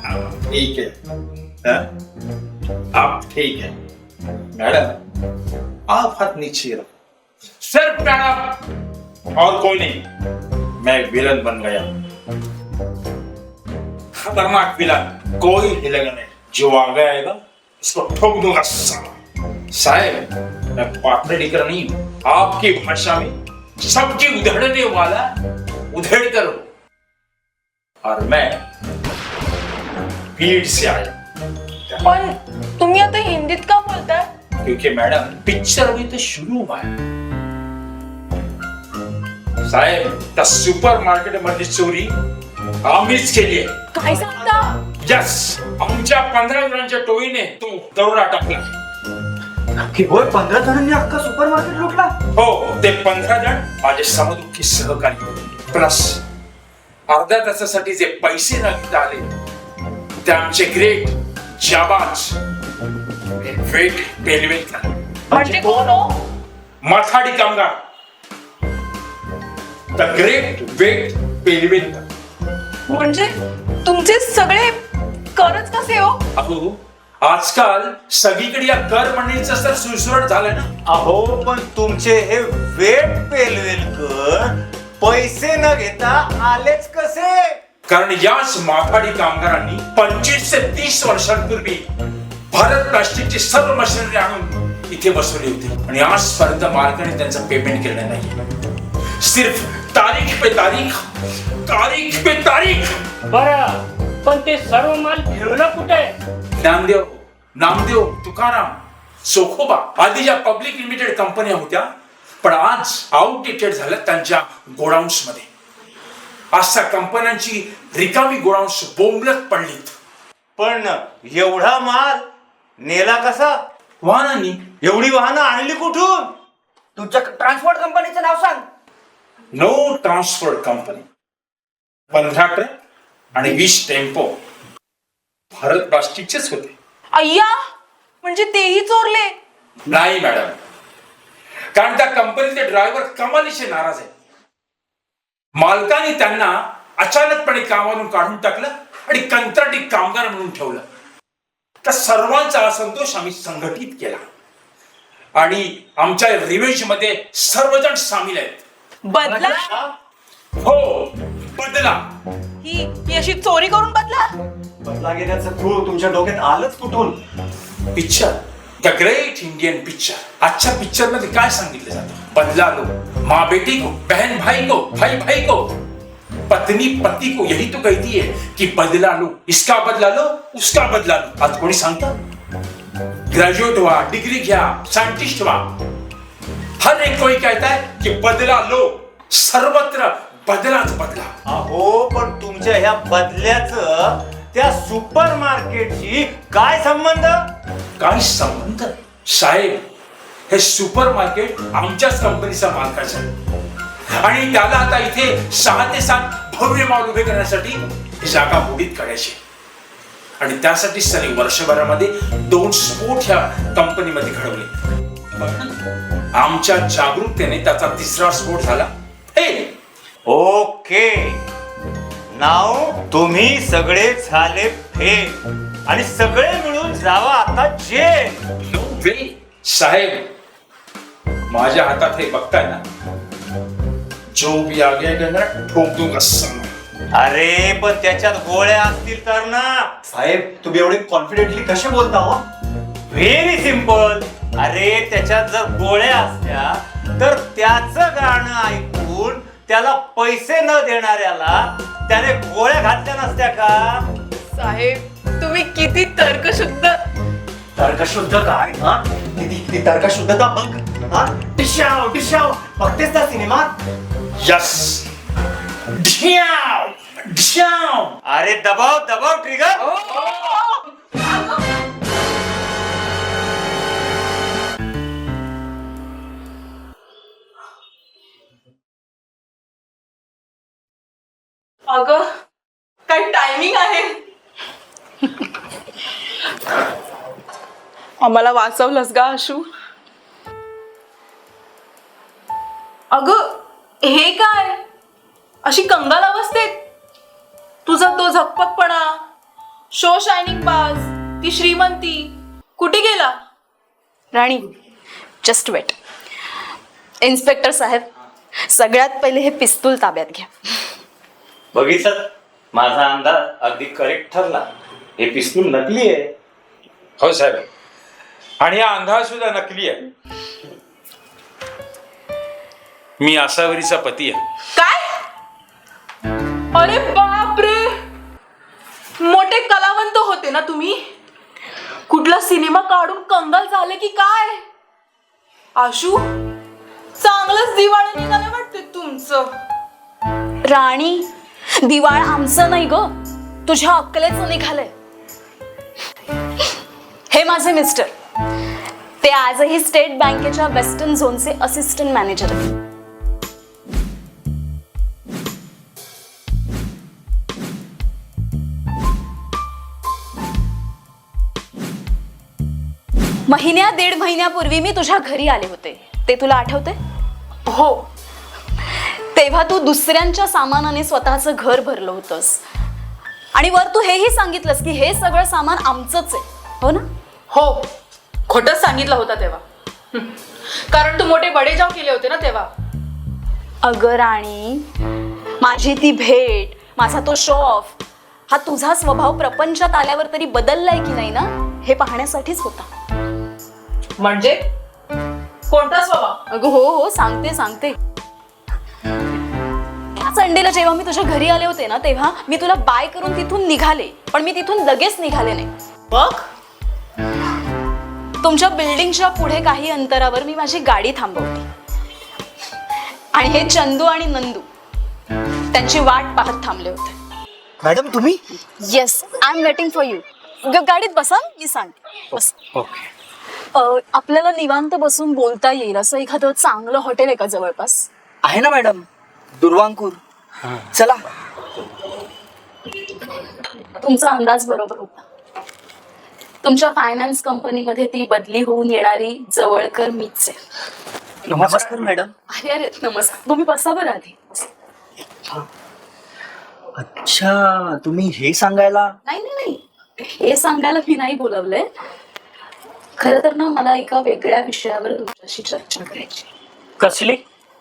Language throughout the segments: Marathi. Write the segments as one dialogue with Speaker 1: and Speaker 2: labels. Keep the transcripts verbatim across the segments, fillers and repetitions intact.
Speaker 1: ठीक है हाँ? आप ठीक है मैडम, आप हाथ नीचे रखो। सिर्फ मैडम और कोई नहीं, मैं विलन बन गया। खतरनाक विलन, कोई हिलेगा नहीं। जो आगे आएगा उसको ठोक दूंगा। साहब मैं पात्र लेकर नहीं हूं, आपकी भाषा में सबकी उधेड़ने वाला उधेड़ करो। और मैं भीड़ से आया।
Speaker 2: पण तुम्ही आता हिंदीत का बोलताय?
Speaker 1: क्योंकि मैडम पिक्चर अभी तो शुरू हुआ है। साहेब त्या सुपर मार्केट मध्ये चोरी आम्हीच केली आहे।
Speaker 2: काय सांगता?
Speaker 1: यस, आमच्या पंधरा जणांच्या टोळीने तो दरोडा टाकला।
Speaker 3: की होय पंधरा जणांनी अख्खा सुपर मार्केट लुटला?
Speaker 1: हो, ते पंधरा जण माझे समदुखी सहकारी प्लस अर्ध्या तासासाठी जे पैसे नागित आले ते आमचे ग्रेट जाबाज वेट पेलवेकर
Speaker 2: म्हणजे कोण हो?
Speaker 1: माथाडी कामगार द ग्रेट वेट पेलवेकर।
Speaker 2: म्हणजे तुमचे सगळे करच कसे हो?
Speaker 1: अहो आजकाल सगळीकडे या कर म्हणण्याचं तर सुळसुळाट झालंय ना।
Speaker 3: अहो पण तुमचे हे वेट पेलवेलकर पैसे न घेता आलेच कसे?
Speaker 1: कारण याच माथाडी कामगारांनी पंचवीस ते तीस वर्षांपूर्वी भारत प्लास्टिकची सर्व मशिनरी आणून इथे बसवली होती आणि आजपर्यंत मालकाने त्यांचं पेमेंट केलं नाही। सिर्फ तारीख पे तारीख, तारीख पे तारीख।
Speaker 4: बरं पण ते सर्व माल ठेवला कुठे?
Speaker 1: ज्ञानदेव, नामदेव, तुकाराम, चोखोबा आदी ज्या पब्लिक लिमिटेड कंपन्या होत्या पण आज आउटडेटेड झाल्या त्यांच्या गोडाऊन्स मध्ये। आज त्या कंपन्यांची रिकामी गोडाऊन्स बोंबलत पडलीत।
Speaker 3: पण एवढा माल नेला कसा?
Speaker 1: वाहनांनी।
Speaker 3: एवढी वाहनं आणली कुठून?
Speaker 5: तुमच्या ट्रान्सपोर्ट कंपनीचं नाव सांग.
Speaker 1: No transport company. पंधरा ट्रक आणि वीस टेम्पो भारत प्लास्टिकचेच होते।
Speaker 2: अय्या, म्हणजे तेही चोरले?
Speaker 1: नाही मॅडम, कारण त्या कंपनीचे ड्रायव्हर कमालीचे नाराज आहेत। मालकाने त्यांना अचानकपणे कामावरून काढून टाकलं आणि कंत्राटी कामगार म्हणून ठेवलं। त्या सर्वांचा असंतोष आम्ही संघटित केला आणि आमच्या रिव्हेंज मध्ये सर्वजण सामील आहेत।
Speaker 2: बदला?
Speaker 1: हो, बदला।
Speaker 2: ही ही अशी चोरी करून बदला?
Speaker 3: बदला घेण्याचं खूळ तुमच्या डोक्यात आलंच कुठून?
Speaker 1: Picture the great Indian picture. आजच्या पिक्चर मध्ये काय सांगितलं जातं? बदला लो, माँ बेटी को, बहन भाई को, भाई भाई को, पत्नी पति को। यही तो कहती है कि बदला लो, इसका बदला लो, उसका बदला लो। आज कोणी सांगतं? ग्रॅज्युएट व्हा, डिग्री घ्या, सायंटिस्ट व्हा, हर एक कोई कहता है कि बदला लो। सर्वत्र बदलाच बदला।
Speaker 3: अहो पण तुमच्या ह्या बदल्याचं त्या सुपर मार्केटशी काय संबंध?
Speaker 1: काय संबंध? साहेब हे सुपर मार्केट आमच्याच कंपनीचा मालकाचा आहे आणि त्याला आता इथे सहा ते सात भव्य मॉल उभे करण्यासाठी ही जागा मोडीत काढायची आणि त्यासाठी सनी वर्षभरामध्ये दोन स्फोट ह्या कंपनीमध्ये घडवले। आमच्या जागरूकतेने त्याचा तिसरा स्फोट झाला।
Speaker 3: ओके, नाव तुम्ही सगळे झाले फेल आणि सगळे मिळून जावा आता जेल।
Speaker 1: नो वे साहेब, माझ्या हातात हे बघताय ना, जो भी आगे गंगा ठोक दूंगा सांगा।
Speaker 3: अरे पण त्याच्यात गोळ्या असतील तर ना? साहेब तुम्ही एवढे कॉन्फिडेंटली कसे बोलता हो? Very simple. अरे त्याच्यात जर गोळ्या असत्या तर त्याचं गाणं ऐकून त्याला पैसे न देणाऱ्याला त्याने गोळ्या घातल्या नसत्या का?
Speaker 2: साहेब तुम्ही किती तर्कशुद्ध।
Speaker 3: तर्कशुद्ध काय? हा किती किती तर्कशुद्धता बघ। हा डिशाव डिशाव बघतेस ना सिनेमात?
Speaker 1: यस, ढ्याव ढ्याव।
Speaker 3: अरे दबाव दबाव ट्रिगर।
Speaker 2: अगं काय टायमिंग आहे? आम्हाला वाचवलंस का आशू? अगं हे काय अशी कंगाल अवस्थेत? तुझा तो झकपकपणा, शो शायनिंग पास, ती श्रीमंती कुठे गेला?
Speaker 6: Rani, just wait. इन्स्पेक्टर साहेब, सगळ्यात पहिले हे पिस्तूल ताब्यात घ्या.
Speaker 3: बघितलं, माझा अंदाज अगदी करेक्ट ठरला. हे पिस्तूल नकली आहे.
Speaker 1: हो साहेब, आणि हा अंधार सुद्धा नकली आहे. मी आसावरीचा पती आहे.
Speaker 2: काय? अरे बापरे, मोठे कलावंत होते ना तुम्ही? कुठला सिनेमा काढून कंगाल झाले की काय? आशू, चांगलंच दिवाळी निघाले वाटते तुमचं.
Speaker 6: राणी, दिवाळ आमचं नाही ग, तुझ्या अक्कलेचं निघालंय. हे माझे मिस्टर, ते आजही स्टेट बँकेच्या वेस्टर्न झोनचे असिस्टंट मॅनेजर आहेत. महिन्या दीड महिन्यापूर्वी मी तुझ्या घरी आले होते, ते तुला आठवते?
Speaker 2: हो.
Speaker 6: तेव्हा तू दुसऱ्यांच्या सामानाने स्वतःचं घर भरलं होतंस आणि वर तू हेही सांगितलंस की हे सगळं सामान आमचंच आहे, हो ना?
Speaker 2: हो, खोटच सांगितलं होतं तेव्हा. हं. कारण तू मोठे बडेजाव केले होते ना तेव्हा.
Speaker 6: अगं राणी, माझी ती भेट, माझा तो शो ऑफ, हा तुझा स्वभाव प्रपंचात आल्यावर तरी बदललाय की नाही ना, हे पाहण्यासाठीच होता.
Speaker 2: म्हणजे कोणता स्वभाव?
Speaker 6: अगं हो हो, सांगते सांगते. संडेला जेव्हा मी तुझ्या घरी आले होते ना, तेव्हा मी तुला बाय करून तिथून निघाले, पण मी तिथून लगेच निघाले नाही.
Speaker 2: बघ,
Speaker 6: तुमच्या बिल्डिंगच्या पुढे काही अंतरावर मी माझी गाडी थांबवली आणि हे चंदू आणि नंदू त्यांची वाट पाहत थांबले होते.
Speaker 5: मॅडम तुम्ही?
Speaker 6: Yes, I am waiting for you. गाडीत बसा, मी सांगते. बस.
Speaker 5: ओके.
Speaker 6: आपल्याला निवांत बसून बोलता येईल असं एखादं चांगलं हॉटेल आहे का जवळपास?
Speaker 5: आहे ना मॅडम, दुर्वांकूर. चला.
Speaker 6: तुमचा अंदाज बरोबर होता. तुमच्या फायनान्स कंपनीमध्ये ती बदली होऊन येणारी जवळकर मीच आहे.
Speaker 5: नमस्कार मॅडम.
Speaker 6: अरे अरे नमस्कार, तुम्ही बसा बरं आधी.
Speaker 5: अच्छा, तुम्ही हे सांगायला?
Speaker 6: नाही नाही नाही, हे सांगायला मी नाही बोलवलंय. खरं तर ना, मला एका वेगळ्या विषयावर तुमच्याशी चर्चा करायची.
Speaker 4: कसली?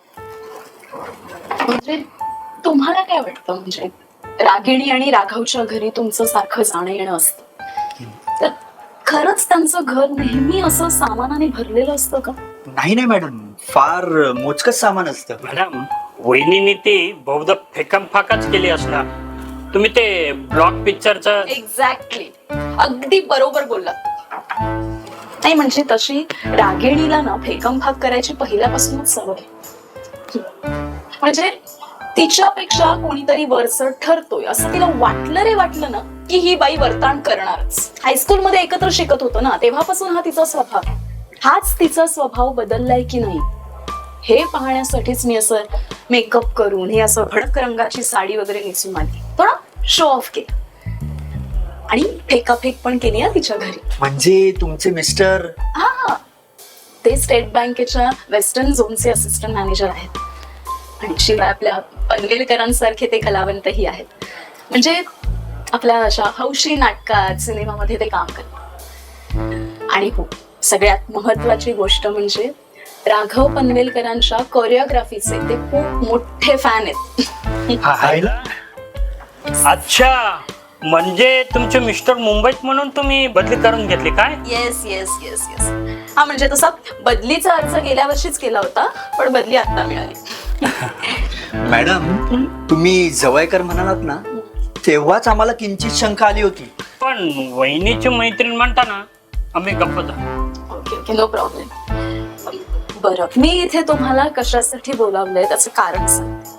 Speaker 6: म्हणजे तुम्हाला काय वाटतं, म्हणजे रागिणी आणि राघवच्या घरी तुमचं सारखं जाणं येणं असतं, तर खरंच त्यांचं घर नेहमी असं सामानाने भरलेलं असतं का?
Speaker 5: नाही नाही मॅडम, फार मोजकच सामान असतं.
Speaker 4: मॅडम, वहिनीने ती बहुधा फेकम फाकाच केली असणार. तुम्ही ते ब्लॉक पिक्चरचं
Speaker 6: एक्झॅक्टली, अगदी बरोबर बोललात. नाही म्हणजे तशी रागिणीला ना फेकम फाक करायची पहिल्यापासूनच सवय. म्हणजे तिच्यापेक्षा कोणीतरी वरचढ ठरतोय असं तिला वाटलं रे वाटलं ना, की ही बाई वर्ताण करणारच. हायस्कूलमध्ये एकत्र शिकत होतो ना, तेव्हापासून हा तिचा स्वभाव. हाच तिचा स्वभाव बदललाय की नाही हे पाहण्यासाठीच मी असं मेकअप करून, हे असं भडक रंगाची साडी वगैरे नेसून आली, थोडा शो ऑफ केला आणि फेकाफेक पण केली ना तिच्या घरी.
Speaker 5: म्हणजे तुमचे मिस्टर?
Speaker 6: हा, ते स्टेट बँकेच्या वेस्टर्न झोनचे असिस्टंट मॅनेजर आहेत आणि शिवाय आपल्या पनवेलकरांसारखे ते कलावंतही आहेत. म्हणजे आपल्या अशा हौशी नाटकात, सिनेमामध्ये ते काम करतात. आणि हो, सगळ्यात महत्वाची गोष्ट म्हणजे राघव पनवेलकरांच्या कोरिओग्राफीचे ते खूप मोठे फॅन आहेत.
Speaker 4: अच्छा, म्हणजे तुमचे मिस्टर मुंबईत म्हणून तुम्ही बदली करून घेतली काय?
Speaker 6: Yes yes yes yes. हा म्हणजे तसा बदलीचा अर्ज गेल्या वर्षीच केला होता, पण बदली आता मिळाली.
Speaker 5: मॅडम, तुम्ही जवळकर म्हणालात ना, तेव्हाच आम्हाला किंचित शंका आली होती.
Speaker 4: पण वहिनीची मैत्रीण म्हणताना आम्ही गप्प झालो.
Speaker 6: Okay okay, no problem. बरं, मी इथे तुम्हाला कशासाठी बोलावलंय त्याचं कारण सांगते.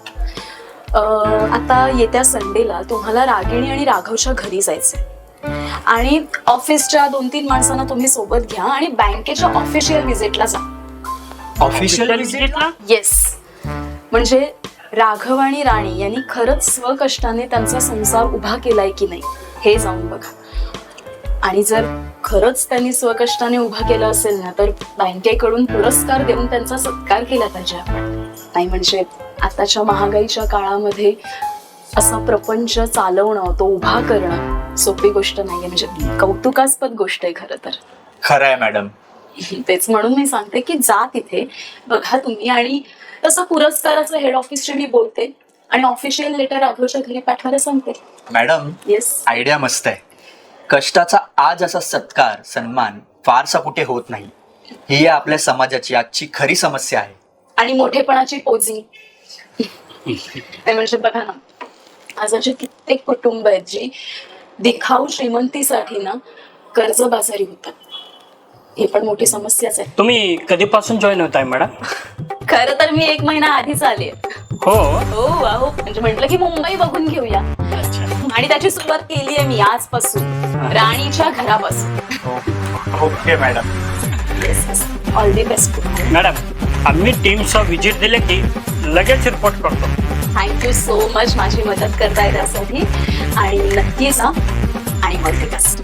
Speaker 6: आता येत्या संडेला तुम्हाला रागिणी आणि राघवच्या घरी जायचंय आणि ऑफिसच्या दोन तीन माणसांना तुम्ही सोबत घ्या आणि बँकेच्या ऑफिशियल व्हिजिटला जा.
Speaker 5: ऑफिशियल व्हिजिटला?
Speaker 6: येस, म्हणजे राघव आणि राणी यांनी खरंच स्वकष्टाने त्यांचा संसार उभा केलाय की नाही हे जाऊन बघा. आणि जर खरंच त्यांनी स्वकष्टाने उभा केला असेल ना, तर बँकेकडून पुरस्कार देऊन त्यांचा सत्कार केला पाहिजे आपण. नाही म्हणजे आताच्या महागाईच्या काळामध्ये असा प्रपंच चालवणं, तो उभा करणं सोपी गोष्ट नाहीये. म्हणजे कौतुकास्पद गोष्ट आहे खरं तर.
Speaker 5: खरं आहे मॅडम.
Speaker 6: तेच म्हणून मी सांगते की जा तिथे बघा तुम्ही. आणि तसं पुरस्काराचं हेड ऑफिसशी मी बोलते आणि ऑफिशियल लेटर राघवच्या घरी पाठवायला सांगते.
Speaker 5: Madam,
Speaker 6: yes.
Speaker 5: आयडिया मस्त आहे. कष्टाचा आज असा सत्कार सन्मान फारसा कुठे होत नाही. ही आपल्या समाजाची आजची खरी समस्या आहे.
Speaker 6: आणि मोठेपणाची पोझिंग म्हणजे बघा ना, आज असे कित्येक कुटुंब आहेत जी दिखाऊ श्रीमंतीसाठी ना कर्जबाजारी होतात. ही पण मोठी समस्याच आहे.
Speaker 4: तुम्ही कधीपासून जॉईन होताय मॅडम?
Speaker 6: खरं तर मी एक महिना आधीच आले.
Speaker 4: हो.
Speaker 6: हो अहो, म्हणजे म्हटलं की मुंबई बघून घेऊया आणि त्याची सुरुवात केली आहे मी आजपासून, राणीच्या घरापासून.
Speaker 3: Okay madam.
Speaker 6: All the best.
Speaker 4: Madam, आम्ही टीमचा व्हिजिट दिले की लगेच रिपोर्ट करतो.
Speaker 6: थँक्यू सो मच माझी मदत करताय त्यासाठी. आणि नक्की जा आणि ऑल दी बेस्ट.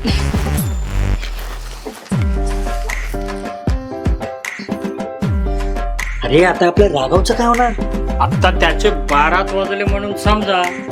Speaker 5: अरे आता आपल्या राघवचं काय होणार?
Speaker 4: आता त्याचे बाराच वाजले म्हणून समजा